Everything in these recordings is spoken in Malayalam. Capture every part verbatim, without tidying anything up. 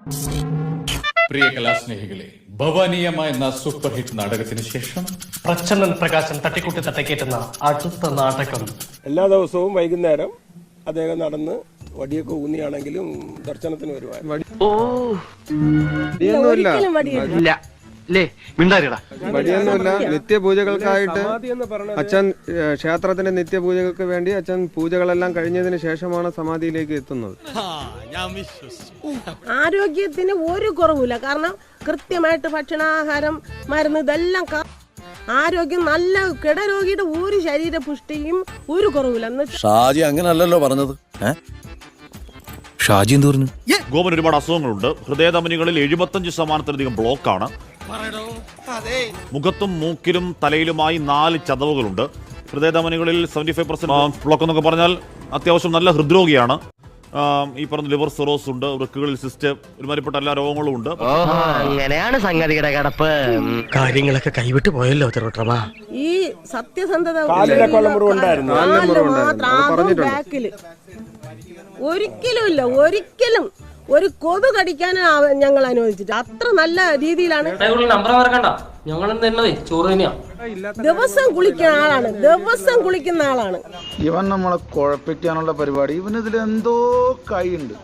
പ്രിയ കലാസ്നേഹികളെ, ഭവാനീയമായ എന്ന സൂപ്പർ ഹിറ്റ് നാടകത്തിന് ശേഷം പ്രച്ഛന്നൻ പ്രകാശൻ തട്ടിക്കൂട്ടി തട്ടക്കേറ്റുന്ന അടുത്ത നാടകം എല്ലാ ദിവസവും വൈകുന്നേരം അദ്ദേഹം നടന്ന് വടിയൊക്കെ ഊന്നിയാണെങ്കിലും ദർശനത്തിന് വരുവായിരുന്നു. വടിയൊന്നുമില്ല. നിത്യപൂജകൾക്കായിട്ട് അച്ഛൻ ക്ഷേത്രത്തിന്റെ നിത്യപൂജകൾക്ക് വേണ്ടി അച്ഛൻ പൂജകളെല്ലാം കഴിഞ്ഞതിന് ശേഷമാണ് സമാധിയിലേക്ക് എത്തുന്നത്. ആരോഗ്യത്തിന് ഒരു കുറവില്ല. കാരണം കൃത്യമായിട്ട് ഭക്ഷണാഹാരം, മരുന്ന് ഇതെല്ലാം ആരോഗ്യം നല്ല കിടരോഗിയുടെ ഒരു ശരീര പുഷ്ടിയും ഒരു കുറവില്ല. ഷാജി അങ്ങനല്ലല്ലോ പറഞ്ഞത്. ഷാജി എന്ത് പറഞ്ഞു? ഗോപന് ഒരുപാട് അസുഖങ്ങളുണ്ട്. ഹൃദയധമനികളിൽ എഴുപത്തഞ്ച് ശതമാനത്തിലധികം ബ്ലോക്കാണ്. മുഖത്തും മൂക്കിലും തലയിലുമായി നാല് ചതവുകളുണ്ട്. ഹൃദയധമനികളിൽ സെവന്റി ഫൈവ് പെർസെന്റ് ബ്ലോക്ക് എന്നൊക്കെ പറഞ്ഞാൽ അത്യാവശ്യം നല്ല ഹൃദ്രോഗിയാണ്. ഈ പറഞ്ഞ ലിവർ സിറോസ് ഉണ്ട്, വൃക്കുകളിൽ സിസ്റ്റ്, ഒരുമാതിരിപ്പെട്ട എല്ലാ രോഗങ്ങളും ഉണ്ട്. അങ്ങനെയാണ് സംഗതിയുടെ കിടപ്പ്. കാര്യങ്ങളൊക്കെ കൈവിട്ട് പോയല്ലോ തിരുവട്ടമാ. ഈ സത്യസന്ധത ഒരിക്കലും ഇല്ല, ഒരിക്കലും ഒരു കൊതു കടിക്കാൻ ഞങ്ങൾ അനുവദിച്ചിട്ട് അത്ര നല്ല രീതിയിലാണ്. ദിവസം കുളിക്കുന്ന ആളാണ്, ദിവസം കുളിക്കുന്ന ആളാണ് ഇവൻ. നമ്മളെ കുഴപ്പിക്കാനുള്ള പരിപാടി ഇവനിതിൽ എന്തോ കൈയുണ്ട്.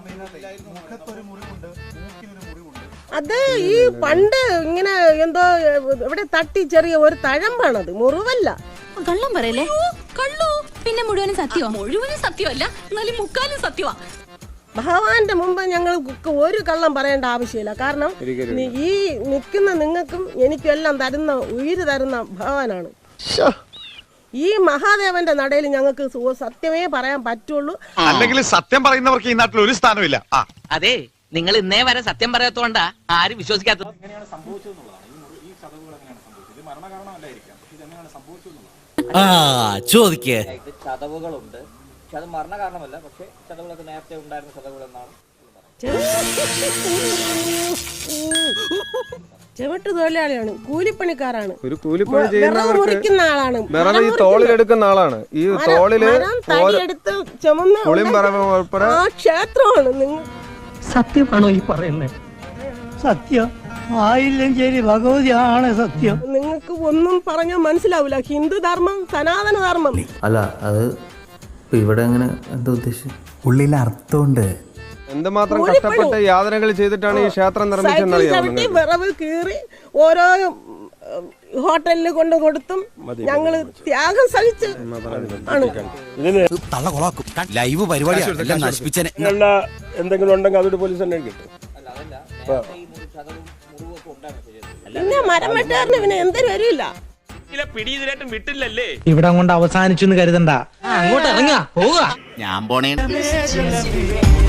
അത് ഈ പണ്ട് ഇങ്ങനെ എന്തോ ഇവിടെ തട്ടി ചെറിയ ഒരു തഴമ്പാണത്, മുറിവല്ല. കള്ളം പറയല്ലേ? കള്ളു പിന്നെ മുഴുവനും സത്യമാ? മുഴുവനും സത്യമല്ല, എന്നാലും മുക്കാലും സത്യമാ. ഭഗവാന്റെ മുമ്പ് ഞങ്ങൾ ഒരു കള്ളം പറയേണ്ട ആവശ്യമില്ല. കാരണം ഈ നിൽക്കുന്ന നിങ്ങൾക്കും എനിക്കും എല്ലാം തരുന്ന, ഉയിര് തരുന്ന ഭഗവാനാണ്. ഈ മഹാദേവന്റെ നടയിൽ ഞങ്ങൾക്ക് സത്യമേ പറയാൻ പറ്റുള്ളൂ. അല്ലെങ്കിൽ സത്യം പറയുന്നവർക്ക് ഈ നാട്ടിൽ ഒരു സ്ഥാനമില്ല. അതെ, നിങ്ങൾ ഇന്നേ വരെ സത്യം പറയാത്തോണ്ടാ ആരും വിശ്വസിക്കാത്തത്. ചോദിക്കേ. ചതവുകളുണ്ട്, പക്ഷെ അത് മരണ കാരണമല്ല. പക്ഷെ ചതവുകളൊക്കെ നേരത്തെ ഉണ്ടായിരുന്ന ചതവുകൾ എന്നാണ്. ചെവിട്ട് തൊഴിലാളിയാണ്, കൂലിപ്പണിക്കാരാണ്, ഒരു കൂലിപ്പണി ചെയ്യുന്നവർക്ക് മുറിക്കുന്ന ആളാണ്, വിറവ് ഈ തോളിലെടുക്കുന്ന ആളാണ്. ഈ തോളില് ആ ക്ഷേത്രമാണ്. നിങ്ങൾ സത്യമാണോ ഈ പറയുന്നത്? സത്യം ആയില്ലെങ്കിൽ ഭഗവതിയാണ് സത്യം. നിങ്ങൾക്ക് ഒന്നും പറഞ്ഞാൽ മനസ്സിലാവില്ല. ഹിന്ദു ധർമ്മം, സനാതന ധർമ്മം. അല്ല, അത് ഇവിടെ എങ്ങനെ എന്താ ഉദ്ദേശിച്ചത്? ഉള്ളിൽ അർത്ഥമുണ്ട്. എന്തുമാത്രം കഷ്ടപ്പെട്ട് യാതനകൾ ചെയ്തിട്ടാണ് ഈ ക്ഷേത്രം നിർമ്മിച്ചെന്നറിയാം. വിറവ് കീറി ഓരോ ഹോട്ടലിൽ കൊണ്ടു കൊടുത്തും ഞങ്ങള് ത്യാഗം സഹിച്ച് ലൈവ് പരിപാടി എന്തെങ്കിലും ഉണ്ടെങ്കിൽ അതൊരു പോലീസ് തന്നെ കിട്ടും. പിന്നെ മരം വെട്ടാറിന് പിന്നെ എന്തൊരു വരില്ല. ഇവിടെ കൊണ്ട് അവസാനിച്ചു എന്ന് കരുതണ്ട. അങ്ങോട്ട് ഇറങ്ങാ, പോവുക. ഞാൻ പോണേ.